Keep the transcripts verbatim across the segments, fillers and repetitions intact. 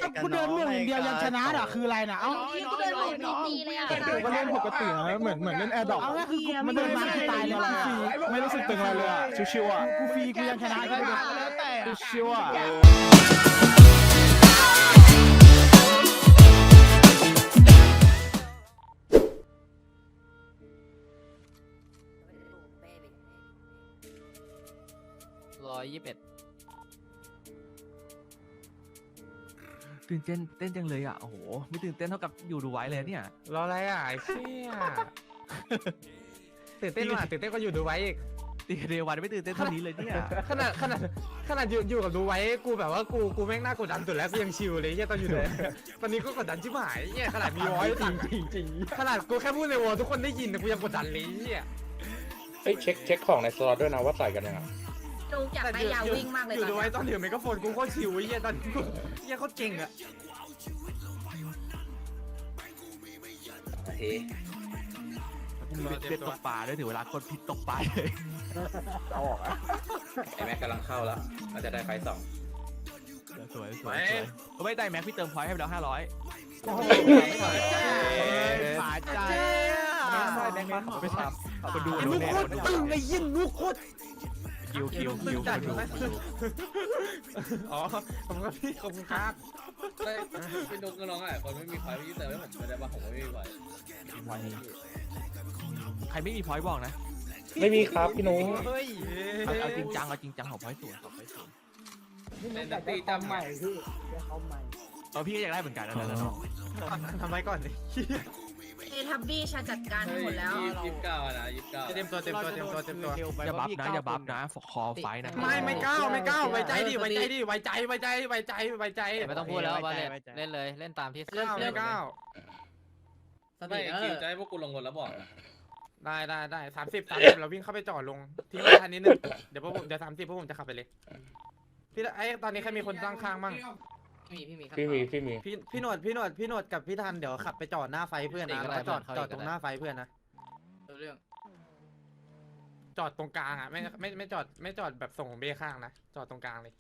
กูเดินเรื่องอย่างเดียวยังชนะอ่ะคืออะไรนะเอ้ากูเดินหนีตีเลยอ่ะผมก็เล่นปกตินะเหมือนเหมือนเล่นแอร์ดรอปเอาง่ายคือกูมันเดินมากูตายเลยว่ะไม่รู้สึกตึงอะไรเลยอ่ะชิวๆอ่ะกูฟรีกูยังชนะกูเลยชิวๆอ่ะร้อยยี่สิบเอ็ดตื่นเต้นเต้นจังเลยอ่ะโอ้โหไม่ตื่นเต้นเท่ากับอยู่ดูไว้เลยเนี่ยรออะไรอ่ะไอ้เชี่ยตื่นเต้นว่ะตื่นเต้นก็อยู่ดูไว้อีกตีเดวันไม่ตื่นเต้นเท่านี้เลยเนี่ยขนาดขนาดขนาดอยู่อยู่กับดูไว้กูแบบว่ากูกูแม่งน่ากดดันสุดแล้วกูยังชิลเลยเฮียตอนอยู่ดูตอนนี้ก็กดดันชิบหายเฮียขนาดมีวอยจริงจริงจริงขนาดกูแค่พูดในวอลทุกคนได้ยินแต่กูยังกดดันเลยเฮียเฮ้ยเช็คเช็คของในสล็อตด้วยนะว่าใส่กันยังไงจูอยากได้ยาววิ่งมากเลยอยู่ดูไว้ตอนถือไมโครโฟนกูโคตรชิลเฮียตอนกูเฮียโคตรเก่งอะเฮ้ยกูมีเบ็ดตกปลาด้วยถึงเวลากดผิดตกปลาเลยเอาออกอ่ะไอแม็กกำลังเข้าแล้วน่าจะได้ไฟสองสวยสวยก็ไม่ได้แม็กพี่เติมพอยต์ให้ไปแล้วห้าร้อยป่าใจใช่แม็กมาไปทำคนดูลูกโคตรตึงไอ้ยินลูกโคตรคิวคิวคิวคนดูอ๋อผมก็พี่ขอบคุณครับพี่นุ๊กก็ร้องอ่ะคนไม่มีไฟพี่เติมให้ผมไม่ได้ว่าผมไม่มีไฟใครไม่มีพอยต์บอกนะไม่มีครับพี่นุ๊กเฮ้ยเอาจริงจังเอาจริงจังของพอยต์สูงของพอยต์สูงเล่นตีจำใหม่เออพี่ก็อยากได้เหมือนกันนะน้องทำไมก่อนดิเอทับบี้ชาจัดการหมดแล้วยี่สิบเก้านะยี่สิบเก้าเต็มตัวเต็มตัวเต็มตัวเต็มตัวอย่าบัฟนะอย่าบัฟนะคอไฟนะไม่ไม่ก้าวไม่ก้าวไว้ใจดิไว้ใจดิไว้ใจไว้ใจไว้ใจไว้ใจไม่ต้องพูดแล้วบาเลตเล่นเลยเล่นตามที่เรื่องไม่ก้าวไม่คิวจะให้พวกกูลงเงินแล้วบอกนะได้ได้ได้สามสิบสามสิบเราวิ่งเข้าไปจอดลงทิ้งไว้ทันนิดนึงเดี๋ยวพวกผมเดี๋ยวสามสิบพวกผมจะขับไปเลยพี่ไอ้ตอนนี้ใครมีคนตั้งข้างบ้างมีพี่มีพี่มีพี่มีพี่พี่หนวดพี่หนวดพี่หนวดกับพี่ทันเดี๋ยวขับไปจอดหน้าไฟเพื่อนนะแล้วก็จอดจอดตรงหน้าไฟเพื่อนนะเรื่องจอดตรงกลางอ่ะไม่ไม่ไม่จอดไม่จอดแบบส่งเบข้างนะจอดตรงกลางเลย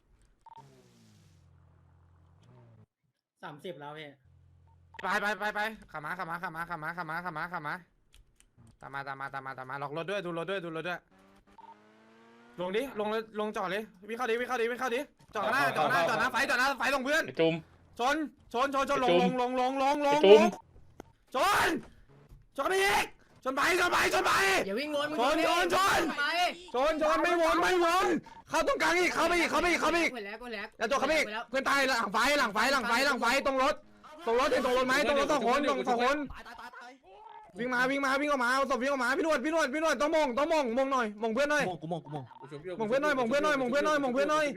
สามสิบแล้วพี่ไปไปไปไปขับมาขับมาขับมาขับมาขับมาขับมาขับมาตามมาตามมาตามมาตามมาล็อกรถด้วยดูรถด้วยดูรถด้วยลงดิลงเลยลงจอดเลยวิ่งเข้าดิวิ่งเข้าดิวิ่งเข้าดิจอดหน้าจอดหน้าจอดหน้าไฟจอดหน้าไฟลงเพื่อนจุ่มชนชนชนชนลงลงลงลงลงลงจุ่มชนชนไปอีกชนไปชนไปชนไปอย่าวิ่งวนชนชนชนไปชนชนไม่วนไม่วนเข้าตรงกลางอีกเข้าไปอีกเข้าไปอีกเข้าไปอีกไปแล้วไปแล้วแล้วตัวเข้าไปอีกเพื่อนตายหลังไฟหลังไฟหลังไฟหลังไฟตรงรถตรงรถเห็นตรงรถไหมตรงรถสองคนตรงสองคนวิ่งมาวิ่งมาวิ่งออกมาเอาศพวิ่งออกมาพี่นวดพี่นวดพี่นวดต้องมองต้องมองมองหน่อยมองเพื่อนหน่อยมงกูมงกูมงมองเพื่อนหน่อยมองเพื่อนหน่อยมองเพื่อนหน่อยมองเพื่อนหน่อย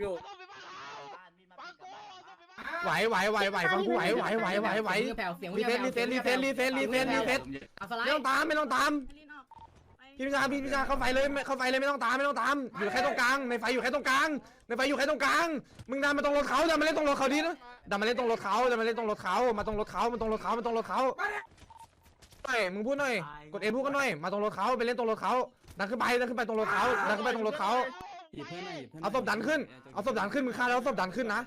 ไหวไหวไหวไหวฟังกูไหวไหวไหวไหวไหวแผ่วเสียงรีเซ็ตรีเซ็ตรีเซ็ตรีเซ็ตรีเซ็ตรีเซ็ตเอาสไลไม่ต้องด์ตามไม่ต้องตามพี่พิจารพี่พิจารเข้าไฟเลยเข้าไฟเลยไม่ต้องตามไม่ต้องตามอยู่แค่ตรงกลางในไฟอยู่แค่ตรงกลางในไฟอยู่แค่ตรงกลางมึงดันมาตรงรถเขาดันมาเล่นตรงรถเขาดินะดันมาเล่นตรงรถเขาดันมาเล่นตรงรถเขามาตรงรถเขามาตรงรถเขามาตรงรถเขาหน่อยมึงพูดหน่อยกดเอพูดกันหน่อยมาตรงรถเขาไปเล่นตรงรถเขาดันขึ้นไปดันขึ้นไปตรงรถเขาดันขึ้นไปตรงรถเขาเอาศพดันขึ้นเอาศพดันขึ้นมึงฆ่าแล้วศพดันขึ้นนะ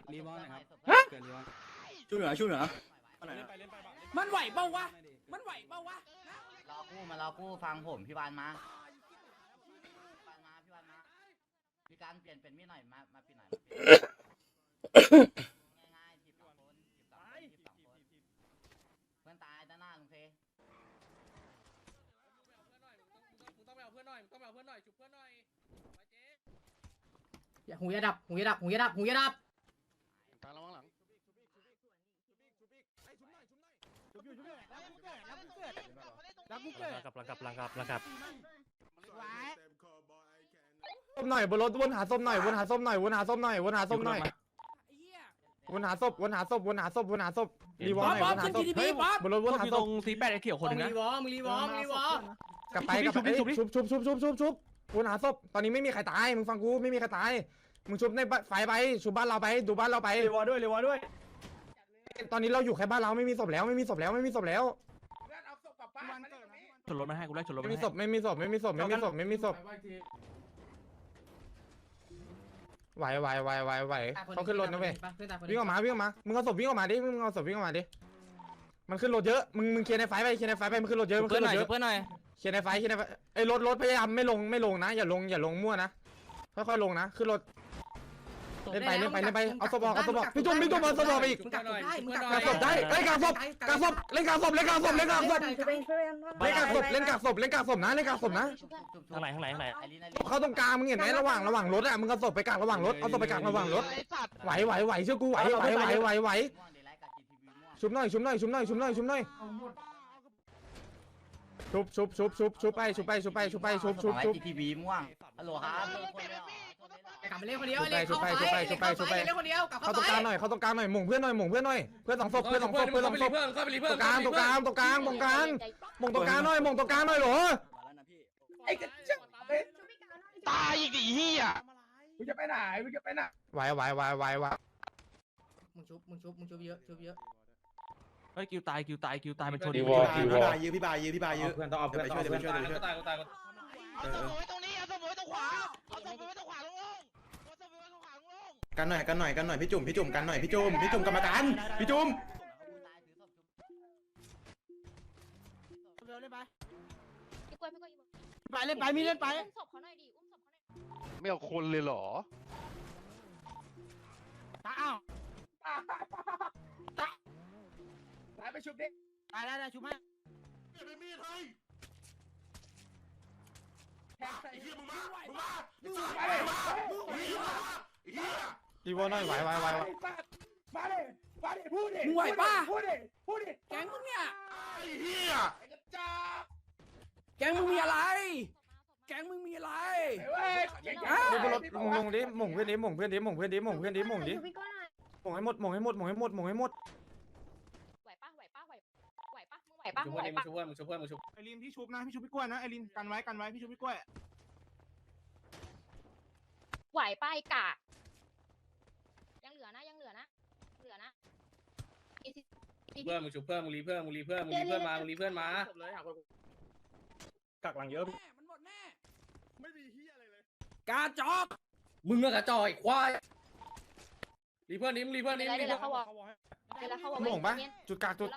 ช่วยเหลือช่วยเหลือมันไหวเปล่าวะมันไหวเปล่าวะรอกู้มารอกู้ฟังผมพี่วานมาพี่วานมาพี่วานมามีการเปลี่ยนเป็นมีดหน่อยมามาปีหน่อยง่ายๆจีบสองคนจีบสองคนจีบสองคนเพื่อนตายด้านหน้าลุงเพหูยาดับหูยาดับหูยาดับหูยาดับแล้วกูเกิดกับลังกับลังกับลังกับส้มหน่อยบนรถวนหาส้มหน่อยวนหาส้มหน่อยวนหาส้มหน่อยวนหาส้มหน่อยวนหาศพวนหาศพวนหาศพวนหาศพรีวอลหน่อยวนหาศพบนรถวนหาอยู่ศตรพงสีแปดไอ้เขียวคนนึงมึนะงรีวอมึงรีวอมึงรีวอกลับไปกลับไปชุบชุบชุบชุบชุบชุบชุบวนหาศพตอนนี้ไม่มีใครตายมึงฟังกูไม่มีใครตายมึงชุบในไฟไปชุบบ้านเราไปดูบ้านเราไปเรวอด้วยเรวอด้วยตอนนี้เราอยู่แค่บ้านเราไม่มีศพแล้วไม่มีศพแล้วไม่มีศพแล้วชนรถมาให้กูได้ชนรถไม่มามีให้ศพไม่มีศพไม่มีศพไม่มีศพไม่มีศพไหวไหวไหวไหวไหวเขาขึ้นรถนะเว้ยวิ่งออกมาวิ่งออกมามึงเอาศพวิ่งออกมาดิมึงเอาศพวิ่งออกมาดิมันขึ้นรถเยอะมึงมึงเคลียร์ในไฟไปเคลียร์ในไฟไปมันขึ้นรถเยอะมันขึ้นรถเยอะเพื่อนหน่อยเคลียร์ในไฟเคลียร์ในไฟไอ้รถรถพยายามไม่ลงไม่ลงนะอย่าลงอย่าลงมั่วนะค่อยๆลงนะขึ้นรถเล่นไปเล่นไปเล่นไปเอาศพออกเอาศพออกพี่จุ่มพี่จุ่มเอาศพออกไปอีกมึงกักหน่อยมึงกักหกาน่ศอยพได้เอ้ยกาศพกาศพเล่นกาศพเล่นกาศพเล่นกาศพเล่นกาศพช่วยเองช่วยเองเล่นกาศพเล่นกาศพเล่นกาศพนะเล่นกาศพนะข้างไหนข้างไหนข้างไหนเข้าตรงกลางมึงเห็นไหมระหว่างระหว่างรถอ่ะมึงเอาศพไปกลางระหว่างรถเอาศพไปกลางระหว่างรถไหวไหวไหวเชื่อกูไหวไหวไหวไหวไหวชุบหน่อยชุบหน่อยชุบหน่อยชุบหน่อยชุบหน่อยชุบชุบชุบชุบชุบไปชุบไปชุบไปชุบไปชุบชุบชุบทีวีม่วงฮัลโหลครับกลับมาเล่นคนเดียวเล่นเข้าไปเล่นเข้าไปเล่นคนเดียวกลับเข้าเข้าตรงไปกลางหน่อยเข้าตรงกลางหน่อยหม่งเพื่อนหน่อยหม่งเพื่อนหน่อยเพื่อนสองศพเพื่อนสองศพเพื่อนสองศพเพื่อนเข้าไปรีเพื่ตอนรงกลางตรงกลางตรงกลางตรงกลางหม่งตรงกลางหน่อยหม่งตรงกลางหน่อยเหรอไอ้กระจังตายอีกดิเฮียมึงจะไปไหนมึงจะไปไหนไหวไหวไหวไหวไหวมึงชุบมึงชุบมึงชุบเยอะชุบเยอะเฮ้ยคิวตายคิวตายคิวตายมันชนพี่บายพี่บายยื้อพี่บายยื้อพี่บายยื้อเพื่อนต้องเอาเพื่อนไปต้องช่วยเอาเดี๋ยวเพื่อนไปช่วยเดี๋ยวไปช่วยก็ตายก็ตายก็เอาศพไว้ตรงนี้เอาศพไว้ตรงขวาเอาศพไว้ตรงขวาลงลงเอาศพไว้ตรงขวาลงลงกันหน่อยกันหน่อยกันหน่อยพี่จุ่มพี่จุ่มกันหน่อยพี่จุ่มพี่จุ่มกรรมการพี่จุ่มเร็วเล่นไปพี่กล้วยพี่กล้วยไปเล่นไปมีเล่นไปอุ้มศพเขาหน่อยดิอุ้มศพเขาหน่อยไม่เอาคนเลยเหรอตาอ้าวตายไปชุบดิตายได้ได้ชุบให้รีโวหน่อยไหวไหวไหวไหวมาดิมาดิพูดดิมึงไหวป่ะพูดดิพูดดิแก๊งมึงเนี่ยไอ้กระจอกแก๊งมึงมีอะไร แก๊งมึงมีอะไรเว้ยดูบนรถลงลงดิหม่งเพื่อนดิหม่งเพื่อนดิหม่งเพื่อนดิหม่งเพื่อนดิหม่งดิพี่กล้วยหน่อยหม่งให้หมดหม่งให้หมดหม่งให้หมดหม่งให้หมดไหวปะไหวปะไหวไหวปะมึงไหวปะชุบมึงเพื่ไหวอนมึงปะชุบเพื่อนมึงชุบเพื่อนมึงชุบไอรินพี่ชุบนะพี่ชุบพี่กล้วยนะไอรินกันไว้กันไว้พี่ชุบพี่กล้วยไหวปะไอ้กะยังเหลือนะยังเหลือนะเหลือนะเพื่อนมึงชุบเพื่อนมึงรีเพื่อนมึงรีเพื่อนมึงรีเพื่อนมามึงรีเพื่อนมากักหลังเยอะแม่มันหมดแน่ไม่มีเฮียอะไรเลยกาจอกมึงกระจอยควายรีเพื่อนนี้มึงรีเพื่อนนี้เดี๋ยวรีเดี๋ยวเพื่อนเขาบอกเดี๋ยวเขาบอกหม่งปะจุดกลางจุด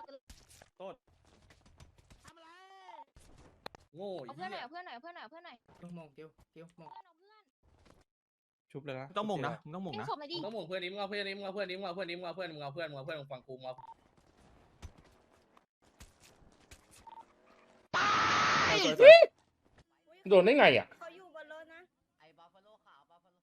โง่เอาเพื่อนหน่อยเอาเพื่อนหน่อยเอาเพื่อนหน่อยเอาเพื่อนหน่อยมองเกียวเกียวมองเพื่อนเอาเพื่อนชุบเลยนะต้องหม่งนะมึงต้องหม่งทิ้งนะศพหน่อยดิมึงต้องหม่งเพื่อนนี้มึงเอาเพื่อนนี้มึงเอาเพื่อนนี้มึงเอาเพื่อนนี้มึงเอาเพื่อนมึงเอาเพื่อนมึงเอาเพื่อนมึงฟังกูมึงเอาโดนได้ไงอ่ะเขาอยู่บนรถนะไอ้บัฟฟาโลขาวบัฟฟาโล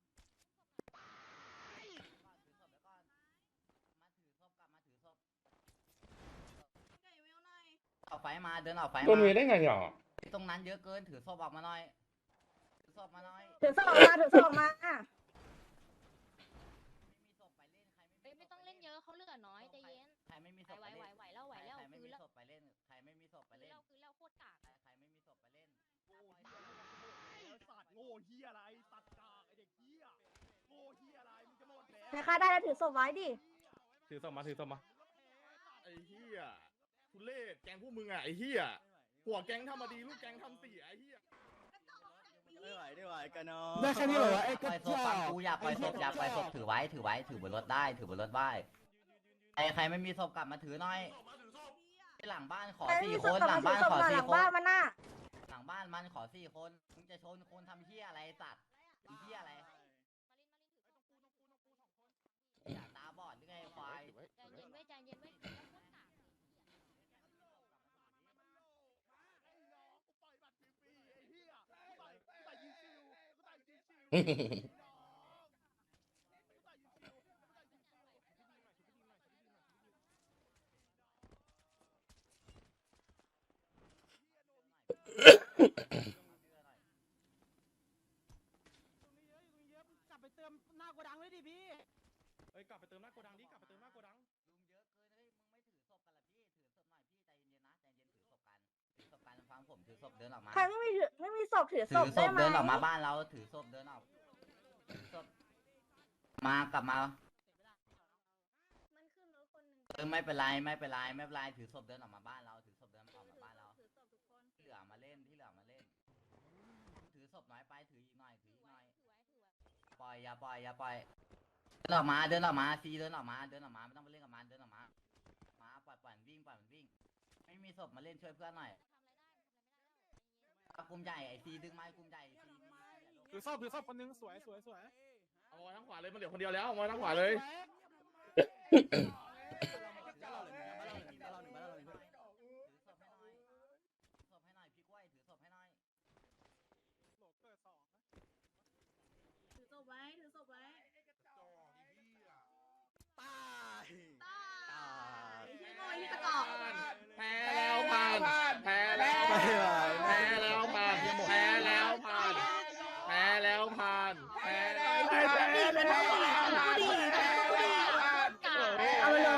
ออกไฟมาเดินออกไฟมาโดนเวได้ไงอ่ะตรงนั้นเยอะเกินถือศพออกมาหน่อยถือศพมาหน่อยถือศพออกมาถือศพออกมาอ่ะไม่มีศพไปเล่นใครไม่เอ้ยไม่ต้องเล่นเยอะเขาเหลือน้อยใจเย็นใครไม่มีศไหวพไหวไปไหวเล่นไหวแล้วไหวแล้วใครคืไม่อมีแล้วศพไปเล่นใครไม่มีศพไปคือเล่นแล้วคือแล้วโคตรกากใครไม่มีศพไปเล่นสัตว์โง่เฮียอะไรสัตว์กากไอเด็กเฮียโง่เฮียอะไรมึงจะหมดแล้วใครฆ่าได้แล้วถือศพไว้ดิถือศพมาถือศพมาไอ้เฮียทุเรศแกงพวกมึงอ่ะไอ้เฮียหัวแกงทำมาดีลูกแกงทำเสียไอ้เฮียไม่ไหวไม่ไหวกันเนาะได้แค่นี้เหรอไอ้ปล่อยศพฟังกูอย่าปล่อยศพอย่าปล่อยศพถือไว้ถือไว้ถือบนรถได้ถือบนรถได้ใครใครไม่มีศพกลับมาถือหน่อยหลังบ้านขอสี่คนหลังบ้านขอสี่คนมันน่ะหลังบ้านมันขอสี่คนมึงจะชนคนทำเฮี้ยอะไรสัตว์ไอ้เฮี้ยอะไรอย่าตาบอดหรือไงควายใจเย็นไว้ใจเย็นไว้แล้วโคตรกากกลับไปเติมหน้าโกดังเลยดิพี่เฮ้ยกลับไปเติมหน้าโกดังดิกลับไปเติมหน้าโกดังลุงเยอะเกินเฮ้ยมึงไม่ถือศพกันละพี่ถือศพหน่อยพี่ใจเย็นๆนะใจเย็นๆถือศพกันถือศพกันฟังผมถือศพเดินออกมาใครไม่มีถือไม่มีศพถือถืศอพศได้พไหมเดินออกมาบ้านเราถือศพเดินออกถือศพมากลับมามันขึ้นรถคนหนึ่งเออไม่เป็นไรไม่เป็นไรไม่เป็นไรถือศพเดินออกมาบ้านเราถือศพเดินออกมาบ้านเราถือศพทุกคนที่เหลือมาเล่นที่เหลือมาเล่น ถือศพน้อยไปถืออีกหน่อยถืออีกหน่อยถือไว้ถือไว้ปล่อยอย่าปล่อยอย่าปล่อยเดินออกมาเดินออกมาซีเดินออกมาเดินออกมาไม่ต้องไปเล่นกับมันเดินออกมามาปล่อยปล่อยมันวิ่งปล่อยมันวิ่งไม่มีศพมาเล่นช่วยเพื่อนหน่อยกลุ่มใหญ่ไอซีดึงไม้กลุ่มใหญ่ซีถือซ่อมถือซ่อมคนนึงสวยสวยสวยเอามาทั้งขวาเลยมันเหลือคนเดียวแล้วเอามาทั้งขวาเลยถือศพไว้ถือศพไว้ตายโอ้ยกระจอกแพ้แล้วผ่านแพ้แล้วแพ้แล้วผ่านแพ้แล้วผ่านแพ้แล้วผ่านแพ้แล้วผ่านเอาเลย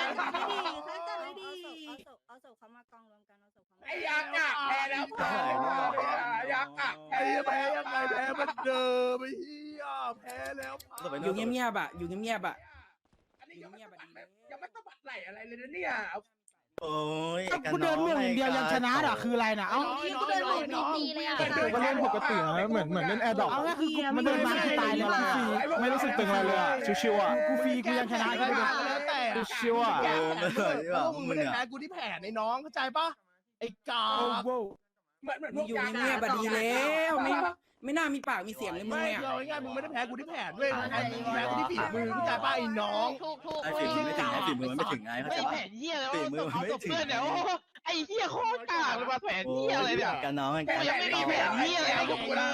เอาศพเขามากองรวมกันเอาศพเขามาไอ้ยักษ์อ่ะแพ้แล้วผ่านยักษ์อ่ะไอ้แพ้ยังไงแพ้มันเดิมไอ้เหี้ยแพ้แล้วผ่านอยู่เงียบๆอ่ะอยู่เงียบๆอ่ะอยู่เงียบๆอ่ะยังไม่สะบัดไหลอะไรเลยนะเนี่ยโอ้ยกูเดินเมืองอย่างเดียวยังชนะอ่ะคืออะไรนะเอ้าพี่ก็เดินหลบตีตีเลยอ่ะก็เล่นปกตินะเหมือนเหมือนเล่นแอร์ดรอปเอาง่ายคือกูมันเดินมาคือตายเลยล่ะไม่รู้สึกตึงอะไรเลยอ่ะชิวๆอ่ะกูฟรีกูยังชนะกูเลยแล้วแต่ชิวๆอ่ะเออไม่ไหวดีกว่ามึมึงงไม่ได้อ่ะแพ้กูที่แผลในน้องเข้าใจปะไอ้กาโว้วมึงอยู่เงียบๆอ่ะดีแล้วไม่ไม่น่ามีปากมีเสียงเลยมึงไม่เนี่ยเราง่ายๆมึงไม่ได้แพ้กูที่แผลด้วยมึงแพ้มึงแพ้กูที่ฝีมือเข้าใจปะไอ้น้องถูกถูกไอ้ฝีมือไม่ถึงไอ้ฝีมือมันไม่ถึงไงเข้าไม่ใจปะแผนเหี้ยเลยฝีว่ามือมันเอาไม่ศพถึงเพื่อนเนี่ยโอ้ไอ้เหี้ยโคตรกากเลยมาแผนโอ้เหี้ยอะไรเนี่ยกันน้องกันกูยังไม่มีแผนเหี้ยอะไรให้กับกูเลย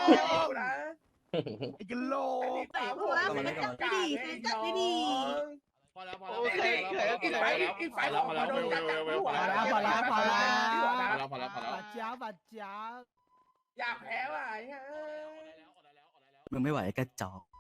ไอ้กะโหลกหัวมันจับไม่ดีจับไม่ดีพอแล้วพอโอเคแล้วอีกพไฟอแล้วอีกไฟพอแล้วพอแล้วพอแล้วพอแล้วพอแล้วพอแล้วพอแล้วพอแล้วพอแล้วพอแล้วบาดจ้าบาดจ้าอยากแพ้ว่ะมึงไม่ไหวกระจอก